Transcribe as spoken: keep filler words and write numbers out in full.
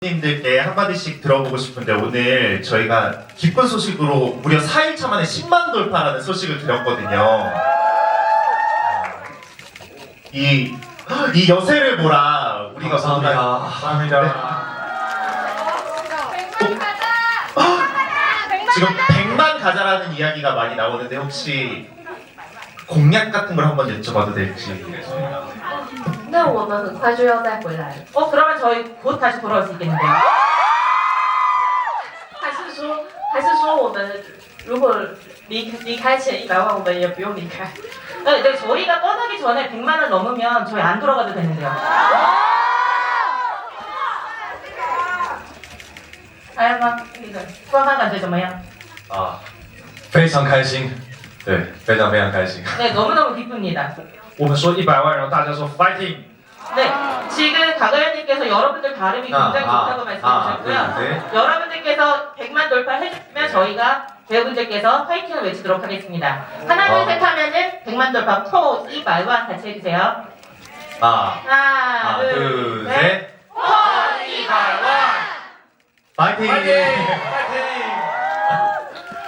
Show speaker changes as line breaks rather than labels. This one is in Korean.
님들께 한마디씩 들어보고 싶은데 오늘 저희가 기쁜 소식으로 무려 사 일차 만에 십만 돌파라는 소식을 드렸거든요. 이, 이 여세를 보라 우리가
감사합니다.
감사합니다. 지금 백만 가자라는 이야기가 많이 나오는데 혹시 공약 같은 걸 한번 여쭤봐도 될지.
那我们很快就要再回来了，
어 그러면 저희 곧 다시 돌아올 수 있겠는데요?
还是说，还是说我们如果离离开前一百万，我们也不用离开？
네, 네, 저희가 떠나기 전에 백만 원 넘으면 저희 안 돌아가도 되는데요. 아, 막 이거 수학한感觉怎么样?
啊，非常开心，对，非常非常开心。
네, 너무너무 기쁩니다.
我们说一百万，然后大家说 fighting。
네, 지금 가가연님께서 여러분들 발음이 굉장히
아,
좋다고
아,
말씀해주셨고요.
아, 네, 네.
여러분들께서 백만 돌파해주시면 저희가 배우분들께서 파이팅을 외치도록 하겠습니다. 하나, 둘,
어.
셋 하면은 백만 돌파 포, 이, 말만 같이 해주세요.
아,
하나,
하나,
둘,
둘,
셋.
셋.
포, 이, 말만.
파이팅!
파이팅!